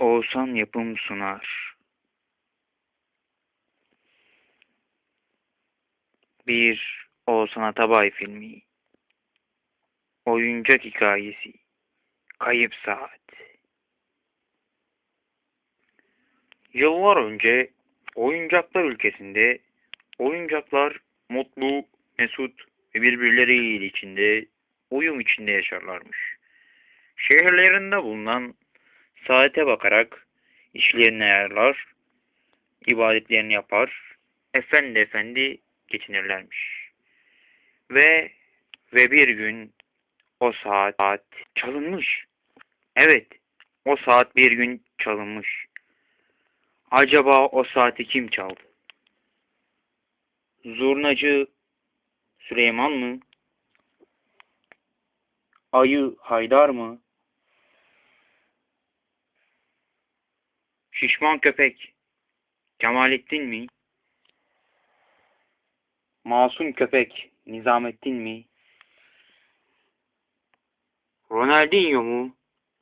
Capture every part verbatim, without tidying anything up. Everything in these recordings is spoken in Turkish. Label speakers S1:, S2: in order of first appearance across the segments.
S1: Oğuzhan Yapım sunar. Bir Oğuzhan Atabay filmi. Oyuncak hikayesi. Kayıp Saat. Yıllar önce oyuncaklar ülkesinde oyuncaklar mutlu, mesut ve birbirleriyle içinde, uyum içinde yaşarlarmış. Şehirlerinde bulunan saate bakarak işlerini ayarlar, ibadetlerini yapar, efendi efendi geçinirlermiş. Ve ve bir gün o saat, saat çalınmış. Evet, o saat bir gün çalınmış. Acaba o saati kim çaldı? Zurnacı Süleyman mı? Ayı Haydar mı? Şişman köpek Kemalettin mi? Masum köpek Nizamettin mi? Ronaldinho mu?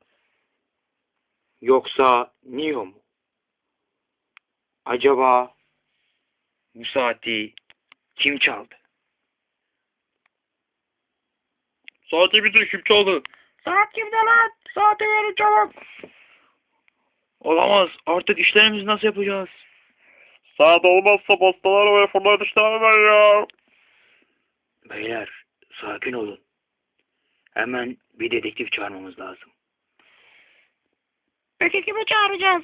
S1: Yoksa Neo mu? Acaba bu saati kim çaldı? Saati bize kim çaldı? Saat kimde lan? Saati verin çabuk. Olamaz. Artık işlerimizi nasıl yapacağız?
S2: Saat olmazsa pastalar ve fırlar dışlarım ben ya.
S1: Beyler sakin olun. Hemen bir dedektif çağırmamız lazım.
S2: Peki kimi çağıracağız?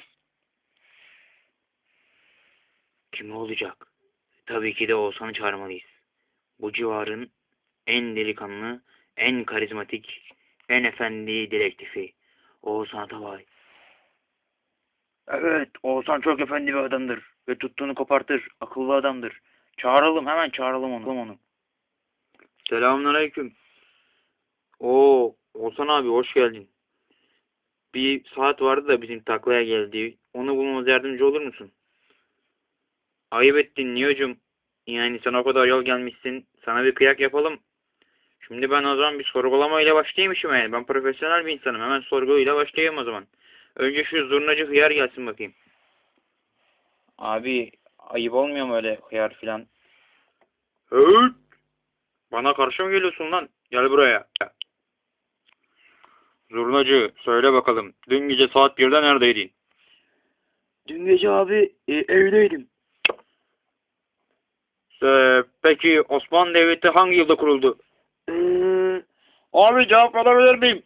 S1: Kim olacak? Tabii ki de Oğuzhan'ı çağırmalıyız. Bu civarın en delikanlı, en karizmatik, en efendi dedektifi. Oğuzhan Atabay. Evet, Oğuzhan çok efendi bir adamdır. Ve tuttuğunu kopartır. Akıllı adamdır. Çağıralım, hemen çağıralım onu. onu. Selamünaleyküm. Oo, Oğuzhan abi hoş geldin. Bir saat vardı da bizim taklaya geldi. Onu bulmamız yardımcı olur musun? Ayıp ettin Niyo'cum. Yani sen o kadar yol gelmişsin. Sana bir kıyak yapalım. Şimdi ben o zaman bir sorgulamayla başlayayım işime. Ben profesyonel bir insanım. Hemen sorguyla başlayayım o zaman. Önce şu zurnacı hıyar gelsin bakayım. Abi ayıp olmuyor mu öyle hıyar filan? Evet. Bana karşı mı geliyorsun lan? Gel buraya. Zurnacı söyle bakalım. Dün gece saat birde neredeydin? Dün gece abi e, evdeydim. Ee, peki Osmanlı Devleti hangi yılda kuruldu? Ee, abi cevap verebilir miyim?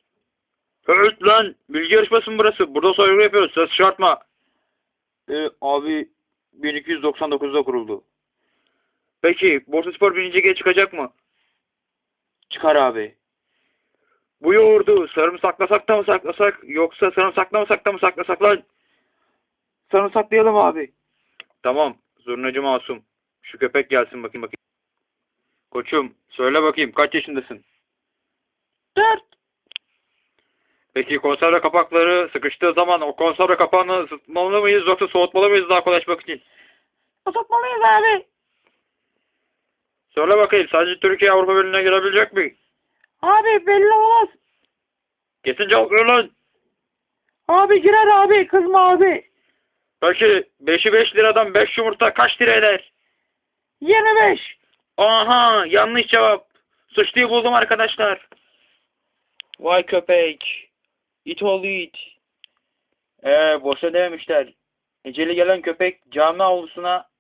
S1: Evet lan bilgi yarışması mı burası? Burada soygu yapıyoruz. Ses çıkartma. Ee, abi bin iki yüz doksan dokuzda kuruldu. Peki Bursaspor birinci lige çıkacak mı? Çıkar abi. Bu yoğurdu sarımsaklasak da mı saklasak yoksa sarımsaklamasak da mı saklasak lan? Sarımsaklayalım abi. Tamam. Zurnacı Masum. Şu köpek gelsin bakayım bakayım. Koçum söyle bakayım kaç yaşındasın?
S2: Dört.
S1: Peki konserve kapakları sıkıştığı zaman o konserve kapağını ısıtmalı mıyız yoksa soğutmalı mıyız daha kolay açmak için?
S2: Isıtmalıyız abi.
S1: Söyle bakayım sadece Türkiye Avrupa Birliği'ne girebilecek mi?
S2: Abi belli olmaz.
S1: Kesin cevap ver lan.
S2: Abi girer abi, kızma abi.
S1: Peki beşi beş liradan beş yumurta kaç lira eder?
S2: yirmi beş.
S1: Aha yanlış cevap. Suçluyu buldum arkadaşlar. Vay köpek. İt oğlu it. Eee boşa dememişler. Eceli gelen köpek cami avlusuna...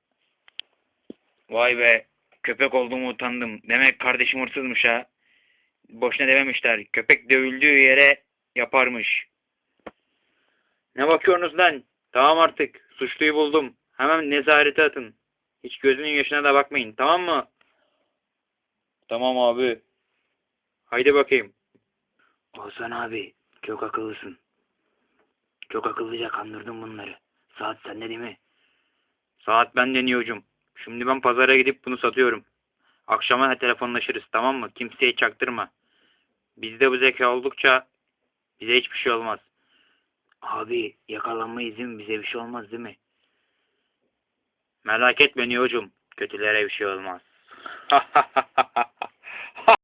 S1: Vay be. Köpek olduğumu utandım. Demek kardeşim hırsızmış ha. Boşuna dememişler. Köpek dövüldüğü yere yaparmış. Ne bakıyorsunuz lan? Tamam artık. Suçluyu buldum. Hemen nezarete atın. Hiç gözünün yaşına da bakmayın. Tamam mı? Tamam abi. Haydi bakayım. Olsan abi. Çok akıllısın. Çok akıllıca kandırdın bunları. Saat sende değil mi? Saat bende Niyo'cum. Şimdi ben pazara gidip bunu satıyorum. Akşama telefonlaşırız tamam mı? Kimseye çaktırma. Bizde bu zeka oldukça bize hiçbir şey olmaz. Abi yakalanmayız değil mi? Bize bir şey olmaz değil mi? Merak etme Niyo'cum. Kötülere bir şey olmaz.